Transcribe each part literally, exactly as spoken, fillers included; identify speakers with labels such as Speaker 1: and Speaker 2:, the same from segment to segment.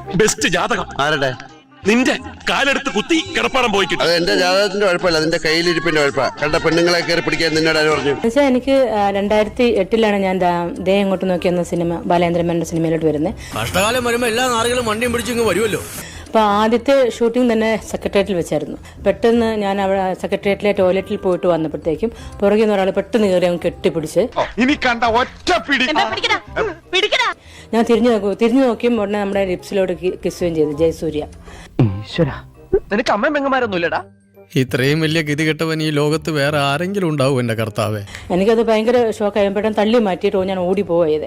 Speaker 1: Best ജാതകം
Speaker 2: ആരുടെ?
Speaker 1: നിന്റെ കാലെടുത്ത് കുത്തി കിടപ്പാടം പോയി കിട്ടും.
Speaker 2: അത് എന്റെ ജാതകത്തിന്റെ കുഴപ്പമില്ല, അതിന്റെ കയ്യിലിരിപ്പിന്റെ കുഴപ്പ. കണ്ട പെണ്ണുങ്ങളെ കയറി പിടിക്കാൻ നിന്നോട് ആര് പറഞ്ഞു?
Speaker 3: എന്നുവെച്ചാൽ എനിക്ക് രണ്ടായിരത്തി എട്ടിലാണ് ഞാൻ ദേ അങ്ങോട്ട് നോക്കിയെന്ന സിനിമ ബാലേന്ദ്രൻ മേനോന്റെ സിനിമയിലോട്ട് വരുന്നത്.
Speaker 4: കഷ്ടകാലം വരുമ്പോ എല്ലാ നാറുകളും വണ്ടിയും പിടിച്ചിങ്ങ് വരുമല്ലോ.
Speaker 3: അപ്പോൾ ആദ്യത്തെ ഷൂട്ടിംഗ് തന്നെ സെക്രട്ടേറിയറ്റിൽ വെച്ചായിരുന്നു. പെട്ടെന്ന് ഞാൻ അവിടെ സെക്രട്ടേറിയറ്റിലെ ടോയ്ലറ്റിൽ പോയിട്ട് വന്നപ്പോഴത്തേക്കും പുറകിൽ നിന്ന് ഒരാൾ പെട്ടെന്ന് കയറി അങ്ങ് കെട്ടിപ്പിടിച്ച്
Speaker 1: ഇനി കണ്ട ഒറ്റ പിടി
Speaker 3: ഞാൻ തിരിഞ്ഞു നോക്കൂ തിരിഞ്ഞു നോക്കിയും ഉടനെ നമ്മുടെ ലിപ്സിലോട്ട് കിസ്സുകയും ചെയ്തു. ജയസൂര്യ.
Speaker 5: നിനക്ക് അമ്മയും പെങ്ങന്മാരൊന്നും ഇല്ലടാ?
Speaker 4: ഇത്രയും വലിയ ഗതികെട്ടവൻ ഈ ലോകത്ത് വേറെ ആരെങ്കിലും ഉണ്ടാവും എന്റെ കർത്താവേ.
Speaker 3: എനിക്കത് ഭയങ്കര ഷോക്കായി. പെട്ടെന്ന് തള്ളി മാറ്റിയിട്ട് ഞാൻ ഓടി പോയത്.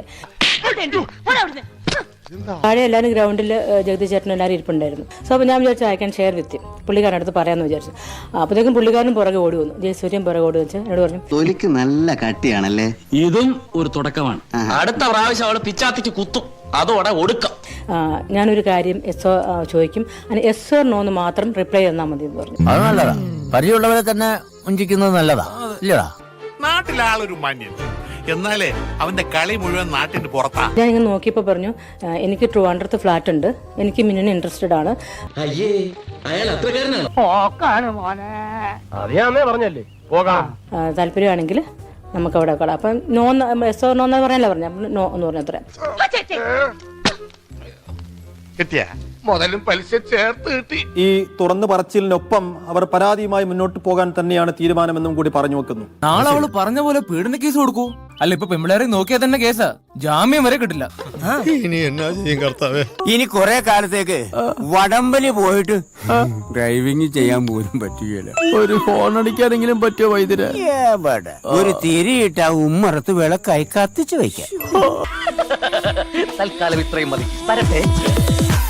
Speaker 3: താഴെ എല്ലാവരും ഗ്രൗണ്ടിൽ ജഗദീഷ് ചേട്ടനും എല്ലാവരും ഇരിപ്പുണ്ടായിരുന്നു. സോ അപ്പോൾ ഞാൻ വിചാരിച്ചു ഐ ക്യാൻ ഷെയർ വിത്ത് പുള്ളിക്കാരൻ അടുത്ത് പറയാമെന്ന് വിചാരിച്ചു. അപ്പോഴത്തേക്കും പുള്ളിക്കാരനും പുറകെ ഓടി വന്നു. ജയസൂര്യൻ പുറകെ ഓടി വെച്ച് എന്നോട് പറഞ്ഞു,
Speaker 6: തൊലിക്ക് നല്ല കട്ടിയാണല്ലേ.
Speaker 7: ഇതും ഒരു തുടക്കമാണ്. അടുത്ത പ്രാവശ്യം അവള് പിച്ചാത്തിക്ക് കുത്തും, അതോടെ ഒടുക്കാം.
Speaker 3: ഞാനൊരു കാര്യം എസ് ഓ ചോദിക്കും, അതിന് എസ് ഓർ നോ എന്ന് മാത്രം റിപ്ലൈ തന്നാൽ മതി എന്ന് പറഞ്ഞു.
Speaker 6: അത് നല്ലതാ, പരിചയമുള്ളവരെ തന്നെ ഉഞ്ചിക്കുന്നത് നല്ലതാ ഇല്ലടാ.
Speaker 8: നാട്ടിലാളൊരു മാന്യൻ, എന്നാലേ അവന്റെ കളി മുഴുവൻ നാട്ടിന് പുറത്താ.
Speaker 3: ഞാൻ ഇങ്ങനെ നോക്കിയപ്പോൾ പറഞ്ഞു, എനിക്ക് ട്രിവാൻഡ്രത്ത് ഫ്ലാറ്റ് ഉണ്ട്, എനിക്ക് മിന്നിന് ഇൻട്രസ്റ്റഡ് ആണ്. താല്പര്യമാണെങ്കിൽ നമുക്ക് അവിടെ കളാം. അപ്പം നോ എസ് ഓർ നോ എന്ന് പറയാനല്ല പറഞ്ഞു. നോ എന്ന് പറഞ്ഞ അത്ര
Speaker 8: കിട്ടിയ മുതലും പലിശ ചേർത്ത് കിട്ടി.
Speaker 9: ഈ തുറന്നു പറച്ചിലിനൊപ്പം അവർ പരാതിയുമായി മുന്നോട്ട് പോകാൻ തന്നെയാണ് തീരുമാനമെന്നും കൂടി പറഞ്ഞു വെക്കുന്നു.
Speaker 5: നാളെ അവള് പറഞ്ഞ പോലെ പീഡന കേസ് കൊടുക്കൂ. അല്ല ഇപ്പൊ പെമ്പിളേരെ നോക്കിയാൽ തന്നെ കേസാ, ജാമ്യം വരെ കിട്ടില്ല.
Speaker 4: ഇനി എന്നാ ചെയ്യും കർത്താവേ?
Speaker 6: ഇനി കൊറേ കാലത്തേക്ക് വടംവലി പോയിട്ട് ഡ്രൈവിംഗ് ചെയ്യാൻ പോലും പറ്റുകയില്ല.
Speaker 9: ഒരു ഫോൺ അടിക്കാനെങ്കിലും പറ്റിയോ വൈദ്യര്?
Speaker 6: ഒരു തിരിയിട്ട ഉമ്മറത്ത് വിളക്കായി കത്തിച്ചു വയ്ക്കാം.
Speaker 5: തൽക്കാലം ഇത്രയും മതി.